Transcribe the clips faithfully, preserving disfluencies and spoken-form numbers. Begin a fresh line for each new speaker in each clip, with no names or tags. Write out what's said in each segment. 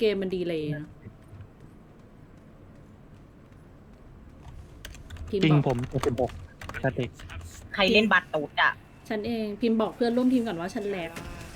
เกมมันดีเลยนะพิม
จริ
พ์
ง
บอก
ผมเจ็ดสิบหกสติ
ใครเล่นบัตรตูดอ่ะ
ฉันเองพิมพ์บอกเพื่อนร่วมทีมก่อนว่าฉันแหลก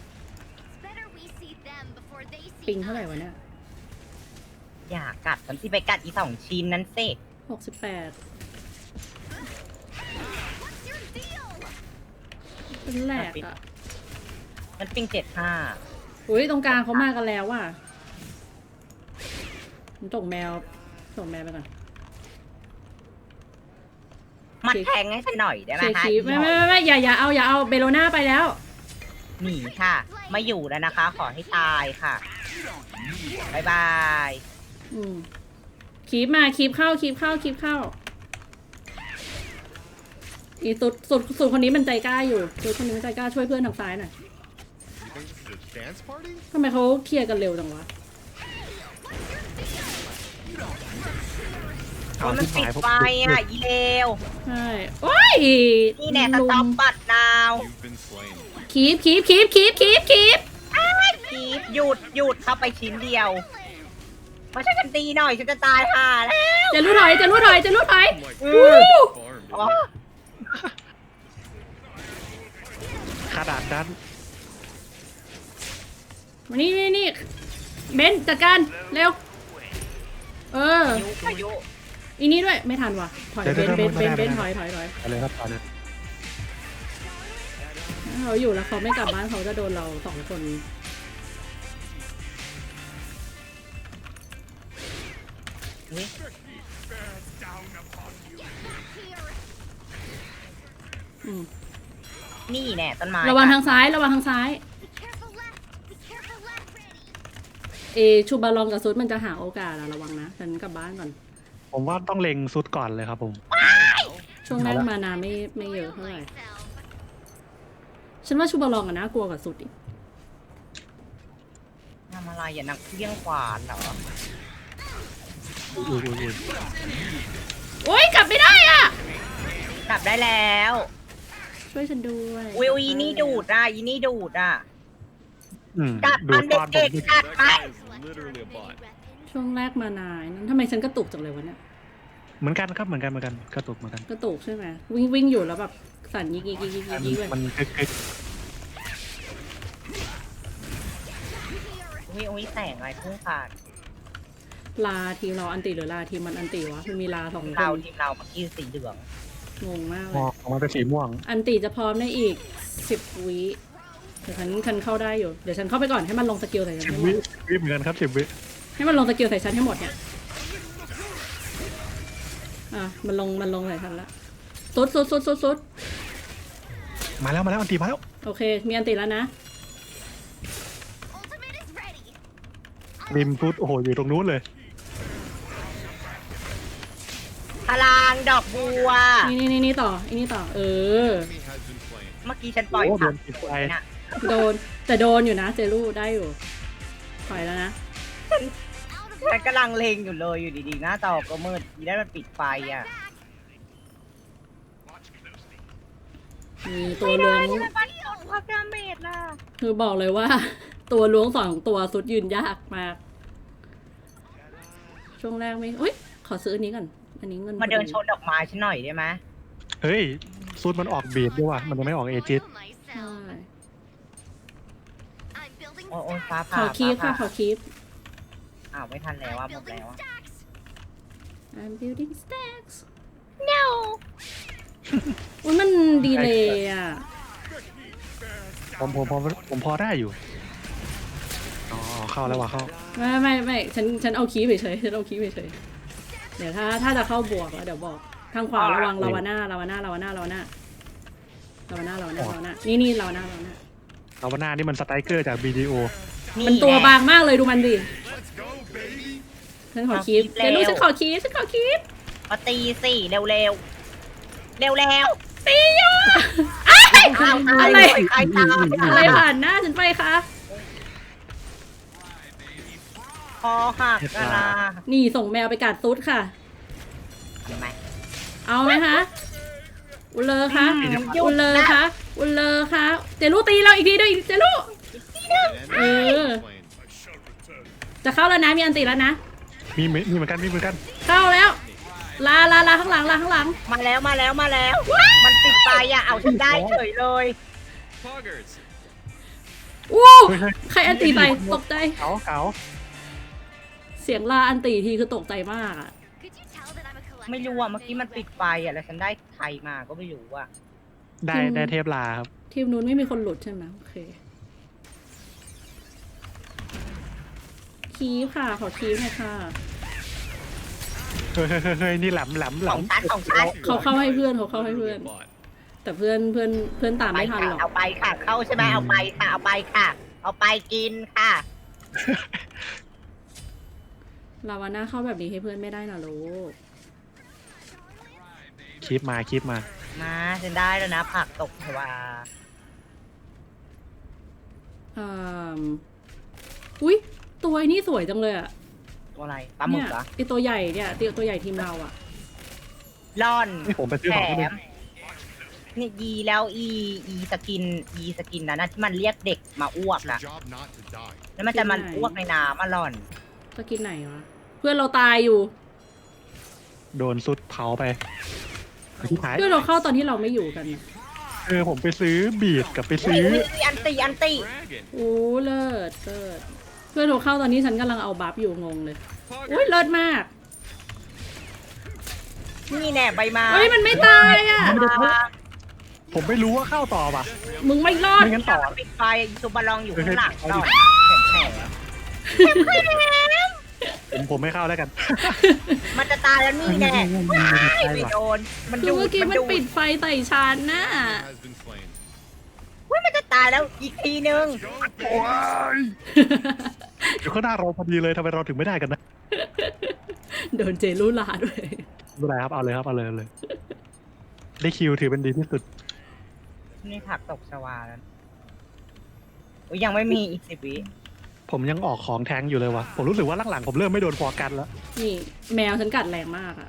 ปิงเท่าไหร่วะเนี่ย
อย่ากัดฉันสิไปกัดอีสองชิ้นนั้นสิ
หกสิบแปดฉันแหลกอ่ะ
มันปิงเจ็ดห้า
อุ้ยตรงกลางเขามากันแล้วว่ะผมส่งแมวส่งแมวไปก่อน
มันแทงให้ฉันหน่อยได้ไหม
เชียร์
คะ
คีฟไม่ไม่ไม่ไม่อย่าอย่าเอาอย่าเอาเบโลน่าไปแล้ว
หนีค่ะ ไม่อยู่แล้วนะคะ ขอให้ตายค่ะบายบาย
อืมคีบมาคีบเข้าคีบเข้าคีบเข้าอีสุดสุดสุดคนนี้มันใจกล้าอยู่สุดคนนี้มันใจกล้าช่วยเพื่อนทางซ้ายหน่อยทำไมเขาเคลียร์กันเร็วจังวะ
เอา
มัน
ที่
ปิด
หายผม
ไฟอ่ะอีเลว
ใช่โอ้ย
นี่แน่สต็อปบัตรนาว
คีบคีบคีบคีบคีบคีบ
คีบหยุดหยุดเข้าไปชิ้นเดียวมาช่วยกันตีหน่อยฉันจะตายห่าแล้ว
จะรู้ถอยจะรู้ถอยจะรู้ถอย
อื
วู้
ม อ๋อ
ขนาดนั้น
มานี่นี่นี่เบนจัดการเร็วเออ
ยุพายุ
อีนี้ด้วยไม่ทันว่ะถอยเบนเบนเบนเบนถอยถอยถอย
ไปเลยครับตอนนี้
ถ้าเขาอยู่แล้วเขาไม่กลับบ้านเขาจะโดนเราสองคนอืม
นี่แน่ต้นไม้
ระวังทางซ้ายระวังทางซ้ายเอชูบาลองกับซุดมันจะหาโอกาสอะระวังนะฉันกลับบ้านก่อน
ผมว่าต้องเล็งซุดก่อนเลยครับผม
ช่วงแรกมานาไม่ไม่เยอะเท่าไหร่ฉันว่าชูบาลองอะน่ากลัวกว่าซุดอีก
ทำอะไรอย่านักเลี้ยงขวานเหรอ
อุ้ยอุ้ยอุ้ย
โอ๊ยกลับไม่ได้อ่ะ
กลับได้แล้ว
ช่วยฉันด้วย
วิวอีนี่ดูดอ่ะอีนี่ดูดอ่ะ
อืม
กัด
ดู
มัน
ตอนผ
เด็
ม
กๆกัดไป
ช่วงแรกมานายนั้นทำไมฉันกระตุกจังเลยวะเนี่ย
เหมือนกันครับเหมือนกันเหมือนกันกระตุกเหมือนกัน
กระตุกใช่ไหมวิ่งวิ่งอยู่แล้วแบบสั่นยิกยิกยิกยิกยิกยิกเลย
มันกึกกึก
วิวอีแสงอะไรพุ่งขาด
ลาทีมเราอันติหรือลาทีมมันอันติวะมันมีลาสองค
เรา
น
ทีมเราเมื่อกี้สีเหลือง
งงมากเล
มอย งออกมาเป็นสีม่วง
อันติจะพร้อมในอีกสิบวิเดี๋ยวฉันฉันเข้าได้อยู่เดี๋ยวฉันเข้าไปก่อนให้มันลงสกิลใส่ฉัน
สิบ
ให้หม
วิ
ด
วิเหมือนกันครับสิบวิ
ให้มันลงสกิลใส่ฉันให้หมดเนี่ยอ่ะมันลงมันลงใส่ฉันละสุดสุดสุดสุดสุด
มาแล้วมาแล้วอันตีมาแล้ว
โอเค มีอันติแล้วนะ
ริมฟุตโอ้โหอยู่ตรงนู้นเลย
พลางดอกบัว
นี่นี่นี่นี่ต่ออันนี้ต่อ เออ
เมื่อกี้ฉันปล่อย
โอ้โด
ผัก
นปิดไฟ
น่ะ
โดนแต่โดนอยู่นะเจลูได้อยู่ถอยแล้วนะ
ฉันกำลังเลงอยู่เลยอยู่ดีๆหน้าจอก็มืดทีได้มันปิดไฟอ่ะ
มีตัวล้วง
ไม่ได้มันกดความดาเมจล่ะ
คือบอกเลยว่า ตัวล้วงสองตัวสุดยืนยากมาก ช่วงแรกไม่อุ้ยขอซื้ออันนี้ก่อนอันนี้เงิน
มาเดินชนดอกไม้ฉันหน่อยได้ไหม
เฮ้ยซุดมันออกบีดด้วยว่ะมันยังไม่ออกเอจิต
ใช่
โอ้ยฟ้า
ข
ผ่า
อคีฟค่ะ
ฟ้า
ขอคีฟ
อ้าวไม่ทันแล้วอ่ะหมดแล้วอ่ะ
I'm building stacks
no
อุ้ยมันดีเลยอ่ะ
ผมผมผมผมพอได้อยู่อ๋อเข้าแล้วว่ะเข้า
ไม่ไม่ไม่ฉันฉันเอาคีฟเฉยๆฉันเอาคีฟเฉยๆเดี๋ยวถ้าถ้าจะเข้าบวกแล้วเดี๋ยวบอก ทางขวาระวังลาวาน่าลาวาน่าลาวาน่าลาวาน่าลาวาน่าลาวาน่าลาวาน่านี่นี่ลาวาน่าลาวาน่า
เอาวันหน้านี่มันสไตรเกอร์จากบีดีโอ
มันตัวบางมากเลยดูมันดิฉันขอคีฟเดี๋ยวลูกฉันขอคีฟฉันขอคีฟ
มาตีสิเร็วเร็วเร็วเร็ว
ตีอยู่
ๆอะไรใครตาม
อะไรผ่านหน้าฉันไปคะ
คอหักอะนะ
นี่ส่งแมวไปกัดซุดค่ะ
เห็นไหม
เอาไหมคะอุลเลอร์คะอุลเลอร์คะอุลเลอร์คะเจลูตีเราอีกทีด้วยเจลูเออจะเข้าแล้วนะมีอันติแล้วนะ
มีมีมีเหมือนกันมีเหมือนกัน
เข้าแล้ว ลาลาลาข้างหลังลาข้างหลัง
มาแล้วมาแล้วมาแล้ว มันปิดไฟอ่ะเอาฉันได้เฉยเลย
Poggers.
อู้ใครอันติไปตกใจ
เก๋าเก๋า
เสียงลาอันติทีคือตกใจมากอะ
ไม่รู้อ่ะเมื่อกี้มันปิดไฟอ่ะแล้วฉันได้ใครมาก็ไม่รู้อ่ะ
ได้ได้เทพลาครับ
ทีมนู้นไม่มีคนหลุดใช่ไหมโอเค คีฟค่ะ ขอคีฟหน่อยค่ะ
เฮ้ยเฮ้ยเฮ้ยเฮ้ยนี่แหลมแหลมแหล
ของ
ม
ฉันของฉัน
เขาเข้าให้เพื่อนเขาเข้าให้เพื่อน
Bot.
แต่เพื่อนเพื่อนเพื่อนตาม
ไป
ไม่ทัน
ค่ะ
หรอก
เอาไปค่ะ เข้าใช่ไหมเอาไปค่ะ เอาไปค่ะ เอาไปกินค่ะ
ลาวาน่าเข้าแบบนี้ให้เพื่อนไม่ได้นะลูก
คลิปมาคลิปมา
มาฉันได้แล้วนะผักตกชวา
อืมอุ้ยตัวไอ้นี่สวยจังเลยอะ
ตัวอะไรปลาหมึ
เนี่
ก
ย
เหรอ
ไอตัวใหญ่เนี่ยตัวตัวใหญ่ทีมเราอะ
ล่อน
นี่ผมไปซื้อ
แถ
ของที่นึ
ม
ง
นี่ยีแล้วอีอีสกินอีสกินนะนะที่มันเรียกเด็กมาอ้วก
It's your
อะ
job not to die.
แล้วมันจะมันอ้วกในน้ำมาล่อน
สกินไหนวะ เพื่อนเราตายอยู่
โดนสุดเผาไปที่ท้าย
เพื่อนเราเข้าตอนที่เราไม่อยู่กันน่ะ
เออผมไปซื้อบีดกับไป
อุ้ย
ซื้อ
อุ้ยอุ้ยอันตีอันตี
Dragon.
โอ้เลิศเลิศเพื่อนเราเข้าตอนนี้ฉันกำลังเอาบัฟอยู่งงเลย อุ้ย
Poggers.
เลิศมาก
นี่แน่ใบไม้
เฮ้ยมันไม่ตายอะ
ผมไม่รู้ว่าเข้าต่อป่ะ
มึงไม่รอด
ไม่งั้นต่อ
ปิดไฟซูบาลองอยู่ข้างหลัง
เฮ้ย
หน่อย
เฮ้ย
แข็งแข็ง
ผมผมไม่เข้าแล้วกัน
มันจะตายแล้วนี่แน่ว้ายไม่โดน มัน
คือ
ดูด
เมื่อกี้
มัน
มัน
ดู
ปิ
ด
ดไฟใส่ฉันน่ะ
Has been slain.
ว้ายมันจะตายแล้วอีกทีนึง
Go
ว้ายเดี๋ยวข้างหน้าเราพอดีเลยทำไมเราถึงไม่ได้กันนะ
โดนเจลูลาด้วย
ไม่เป็นไรครับเอาเลยครับเอาเลยเอาเลย ได้คิวถือเป็นดีที่สุด
นี่ผักตกชวาแล้วอุ๊ยยังไม่มีอีกสิบวิ
ผมยังออกของแทงอยู่เลยวะผมรู้สึกว่าหลังๆผมเริ่มไม่โดนฟอร์กันแล้ว
นี่แมวฉันกัดแรงมากอะ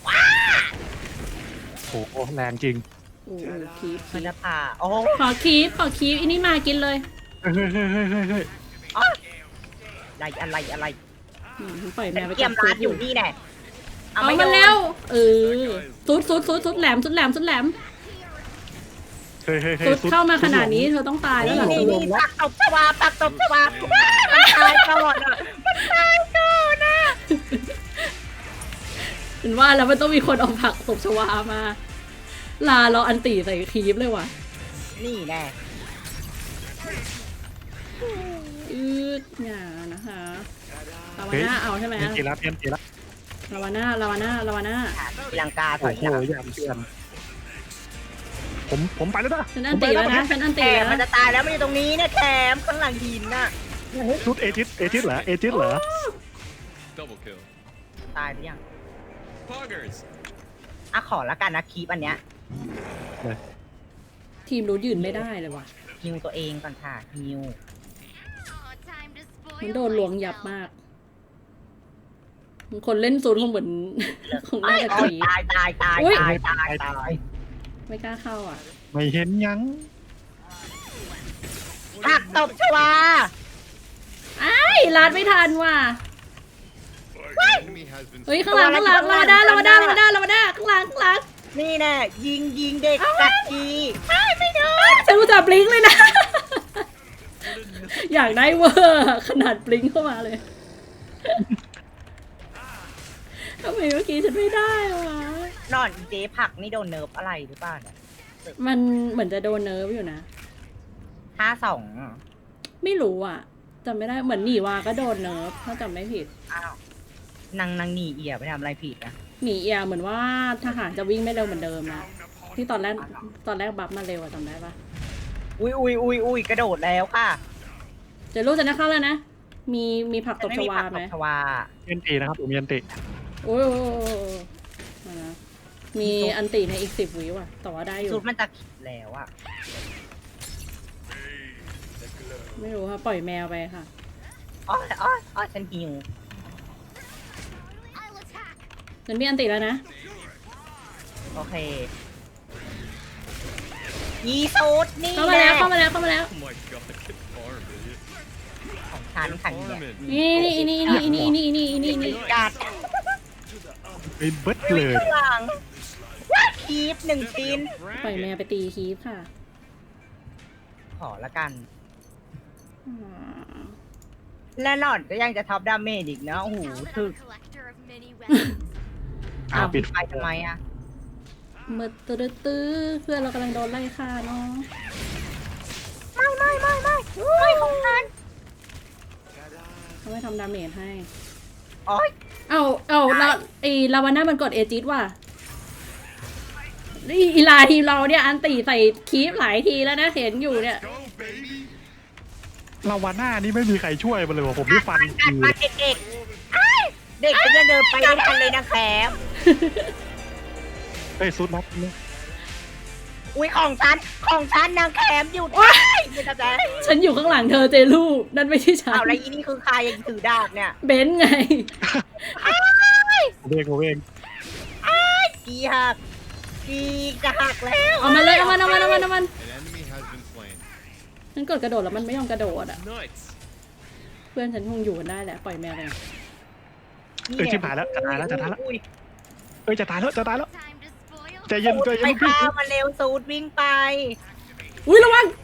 โอ้โหแรงจริง
โอ้โหคีฟ
มันจะผ่าโอ้
ขอคีฟขอคีฟอันนี้มากินเลย
เฮ้ยเฮ้ยเฮ้ยเฮ้ยเฮ้ยเฮ้ย
อะไรอะไรอะไร
อืมปล่อยแม
แต่
วไป
เกียมร้านอยู่นี่แน่
เอา
ไม่
มา
โดน
แล้วเออสุดสุดสุดสุดแหลมสุดแหลมสุดแหลม
เฮ้ยเฮ้ยเฮ้ย
สุด
สุด
เข้ามาขนาดนี้เธอต้องตายแล้ว
นี่
ล่ะ
นี่นี่ผักตบชวาผักตบชวามันตายก่อนอ่ะมันตายก่อนอ่ะ
เห็นว่าแล้วมันต้องมีคนเอาผักตบชวามา ลาเราอันตีใส่คีฟเลยว่ะ
นี่แน่
อืดอย่านะคะลาวาน่าเอาใช่ไหม
เตรียมตีแล้วเตรียมตีแล้ว
ลาวาน่าลาวาน่าลาวาน่า
ตีลังกาถ
โอ้
อย
โห
หลัง
ยามเชื่อมผมผมไปแล้วนะ
ฉันอันตีแล้วนะฉันอัน
แถ
ตี
ม
แล้ว
มันจะตายแล้วมันอยู่ตรงนี้เนี่ยแถมข้างหลังหินน่ะ
ชุดเอจิสเอจิสเหรอเอจิสเหรอ
Double kill.
ตายหรือยัง
Poggers.
อ่ะขอละกันนะคีปอันเนี้ย
ทีมรู้ยืนไม่ได้เลยว่ะ
ฮิวตัวเองก่อนค่ะฮิว
มันโดนลวงยับมาก คนเล่นซูนคงเหมือน คง
โอ้
น่าย จะ
โอ้
ก
ย
รีด
ตายตายตาย
อุ๊ย
ตายตายตาย
ไม่กล้าเข้าอ่ะ
ไม่เห็นยัง
ผักตบชวา
ไอ้ายลาดไม่ทันว่ะ
Enemy has been
เฮ้ยข้างหลังข้างหลังลาวาด้าลาวาด้าลาวาด้าลาวาด้าข้างหลังข้างหลัง
นี่แน่ยิงยิงเด็กกัดทีไม่โดน
ฉันรู้จักบลิงก์เลยนะ อยากได้เวอร์ขนาดบลิงก์เข้ามาเลยทำไมเมื่อกี้ฉันไม่ได้วะ
นอนอีเจ๊ผักนี่โดนเนิร์ฟอะไรหรือเปล่าเนี่ย
มันเหมือนจะโดนเนิร์ฟอยู่นะ
ห้าสอง
ไม่รู้อ่ะจำไม่ได้เหมือนหนีวาก็โดนเนิร์ฟถ้าจำไม่ผิด
อ้าวนางนางหนีเอียไปทำอะไรผิดนะ
หนีเอียเหมือนว่าทหารจะวิ่งไม่เร็วเหมือนเดิมนะที่ตอนแรกตอนแรกบัฟมาเร็วอะจำได้ปะ
อุ้ยอุ้ยอุ้ยอุ้ยกระโดดแล้วค่ะ
เจะรู้จะนะเข้าแล้วนะ มีมีผักตบชวา
ผัก
ไห
ต
ม
บชวา
เยันตีนะครับผมเยันตี
โอ้ยโอ้ยโอ้ยโอ้ยมานะมีอันติในอีกสิบวิว่ะแต่ว่าได้อยู่
สุดมันจะขิดแล้วอะ
ไม่รู้ค่ะปล่อยแมวไปค่ะ
อ๋ออ๋ออ๋อฉันหิว
ฉันมีอันติแล้วนะ
โอเคยีสูดนี่
เข้ามาแล้วเข้ามาแล้วเข้ามาแล้ว
Oh my god, get farmed, idiot.
ของฉันขันเนี่ย
Farming.
นี่นี่นี่นี่นี่นี่นี่นี่นี่
กัด
ไปเบิด
ลุ
เลย ย
ข้างหลังว่าคีบหนึ่งชิ้น
ปล่อยแมวไปตีคีฟค่ะ
ขอละกัน
อืม
และหล่อนก็ยังจะท็อปดาเมจอีกนะโอ้โหถึก
อ้าวปิด
ไปทำไมอ่ะ
เมื่อตื้อตื้อเพื่อนเรากำลังโดนไล่ฆ่าเนาะ
ไม่ไม่ไม่ไม่ไม่ของฉัน
เขาไม่ทำดาเมจให้
โอ๊ย
เอาเอาลาไอลาวาน่ามันกดเอจิตว่ะนี่อีลาทีมเราเนี่ยอันตีใส่คีฟหลายทีแล้วนะเห็นอยู่เนี่ย
Go, baby.
ลาวาน่านี่ไม่มีใครช่วยมันเลยว่ะผมนี่ฟัน
กัด
คือ
มาเด็กๆอ้ายเด็กจะเดินไปด้วยกันเลยนะแคม
เฮ้ยซุดน็อกเนี่ย
อุ้ยของฉันของฉันนางแคมหยุดว้ายไม่เข้าใจ
ฉันอยู่ข้างหลังเธอเจลูนั่นไม่ใช่ฉัน
เอาแล้วอีนี่คือใครยังถือดาบเนี่ย
เบนซ์ไง
ผมเองผมเอง
กีหักกีจะหักแล้ว
เอามาเลยเอามันเอามันเอามันเอามัน
An enemy has been slain.
ฉันกดกระโดดแล้วมันไม่ยอมกระโดดอ่ะ
Nuts.
เพื่อนฉันคงอยู่กันได้แหละปล่อยแมวไป
เอ้ยชิบหายแล้วจะตายแล้วจะตายแล้ว
อุ้ย
เอ้ยจะตายแล้วจะตายแล้วใจเย็นใจ
ไป
เย็นพี่
ฆ่ามันเร็วสูดวิ่งไป
อุ้ยระวัง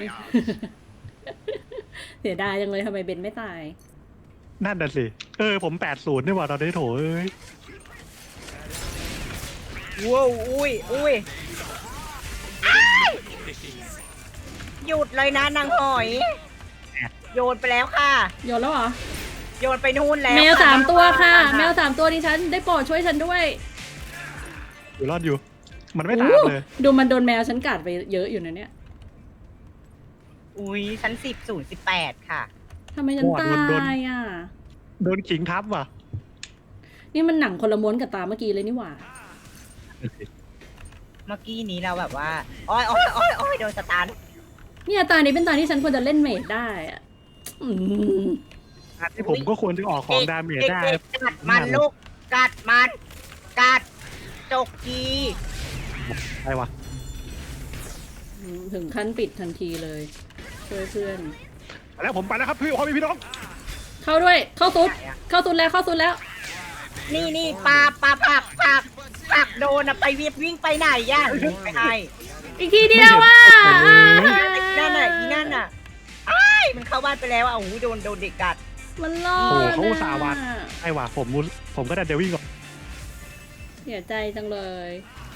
เสียดายจังเลยทำไมเบนไม่ตาย
นั่นน่ะสิเออผมแปดศูนย์นี่หว่าตอนนี้โถเอ้ย
ว้าวอุ้ยอุ้ยอ้ายหยุดเลยนะนางหอย โยนไปแล้วค่ะ
โยนแล้วเหรอ
โยนไปนู่นแล้ว
แมวสามตัวค่ะ
ะ
แมวสามตัวดิฉันได้โปรดช่วยฉันด้วย
อยู่รอดอยู่ มันไม่ตามเลย
ดูมันโดนแมวฉันกัดไปเยอะอยู่นะเนี่ย
อุ้ยชั้นสิบศูนย์สิบแปดค่ะ
ทำไมฉันตายอ่ะ
โดนขิงทับว่ะ
นี่มันหนังคนละม้วนกับตาเมื่อกี้เลยนี่หว่า
เมื่อกี้นี้เราแบบว่าอ้อยอ้อยอ้อยอ้อยโดนสตาร์ท
เนี่ยตานี้เป็นตาที่ฉันควรจะเล่นเมดได้อะอืม
ที่ผมก็ควรจะออกของดาเมจได้
เด็กๆกัดมันลูกกัดมันกัดจกกี
อะไรวะ
ถึงขั้นปิดทันทีเลย ช่วยเพื่อน
ไปแล้วผมไปแล้วครับพี่พ่อพี่พี่น้อง
เข้าด้วย เข้าซุด เข้าซุดแล้ว เข้าซุดแล้ว
นี่นี่ปลาปลาผักผักผักโดนอะไปวิ่งวิ่งไปไหนย่าไปให้
อีกทีเดียวว่ะ
นั่นน่ะอีนั่นน่ะอ้ายมันเข้าบ้านไปแล้วอ่ะโอ้โหโดนโดนเด็กกัด
มันรอ
โอ้โห
ด
เขาอุตสาห์วัด
อะ
ไอ้ว่ะผมมุผมก็ได้เดวิ่งก่อน
เสียใจจังเลย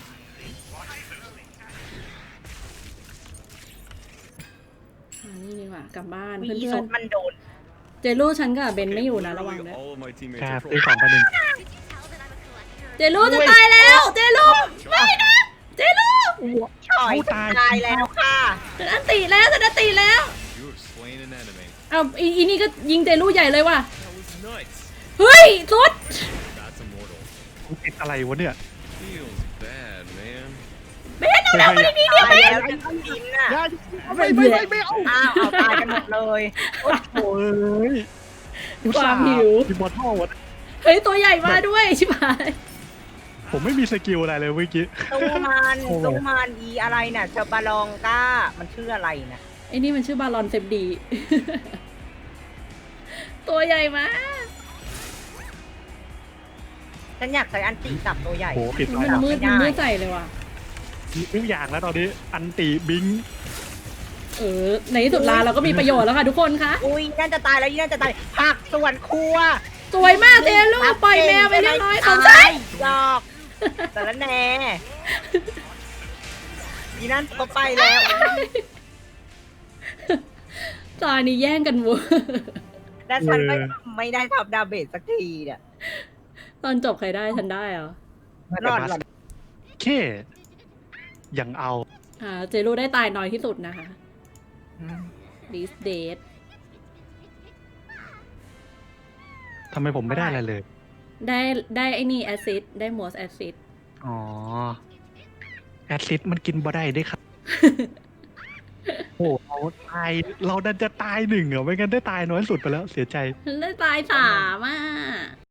อันนี่ดีกว่ากลับบ้าน
มี
เพื่
ซุ
อน
ปมันโดน
ๆเจลูฉันกับเบนไม่อยู่นะระวัง
Literally
นะ
all of my teammates
ครั
are
บซื้อข
trolls.
องไปหนึ่ง
เจลูจะตายแล้ว เจลูไม่นะ เจลู
ฉอยจะตายแล้วค่ะ
ฉันอันติแล้วฉันอันติแล้ว
You have slain an enemy.
เอาอีอีนี่ก็ยิงเจลูใหญ่เลยว่ะ
That was nuts.
เฮ้ยสุด
That's immortal.
กูติดอะไรวะเนี่ย
Feels bad, man.
เบนเอาแล้วมาดีๆเดียว
ตาย
เบน
แล้วจริงๆน่ะ
อย่าไม่ไม่ไม่ไม่เอา
อ้าวเอาตายกันหมดเลย
โอ้ยอุตส่าห์มีบอลท่อวะ
เฮ้ยตัวใหญ่มาด้วยชิบหาย
ผมไม่มีสกิลอะไรเลยเมื่อกี้
ตู้มัน
โอ้โห
ตู้มันอีอะไรน่ะเชอบาลองก้ามันชื่ออะไรน่ะ
ไอ้นี่มันชื่อบาลอนเซฟดี ตัวใหญ่มาก
ฉันอยากใช้อันติจับตัวใหญ่
โหปิดไฟ
มัน
แล้ว
มืดมันมืดใส่เลยว่ะ
ทุกอย่างแล้วตอนนี้อันติบิง
เออในที่สุดลาเราก็มีประโยชน์แล้วค่ะทุกคนคะ
อุ้ยนั่นจะตายแล้วยี่นั่นจะตายผักส่วนครัว
สวยมากเจลูปล่อยแมวไปเรียบร้อยสนใจ
ตายดอกแต่ละแน่ยี่นั่นก็ไปแล้ว
ตอนนี้แย่งกันวัว
และฉันไม่ไม่ได้ทำดาเมจสักทีเนี่ย
ตอนจบใครได้ฉันได้เหรอ
รอดหรอ
เคยังเอา
อ่าเจลูได้ตายน้อยที่สุดนะคะ this date
ทำไมผมไม่ได้อะไรเลย
ได้ได้ไอ้นี่แอซิดได้มอสแอซิด
อ๋อ แอดซิดมันกินบ่ได้ด้วยครับ โอ้เราตาย เราดันจะตายหนึ่งเหรอไม่งั้นได้ตายน้อยสุดไปแล้วเสียใจ
ฉันได้ตายสามอ่ะ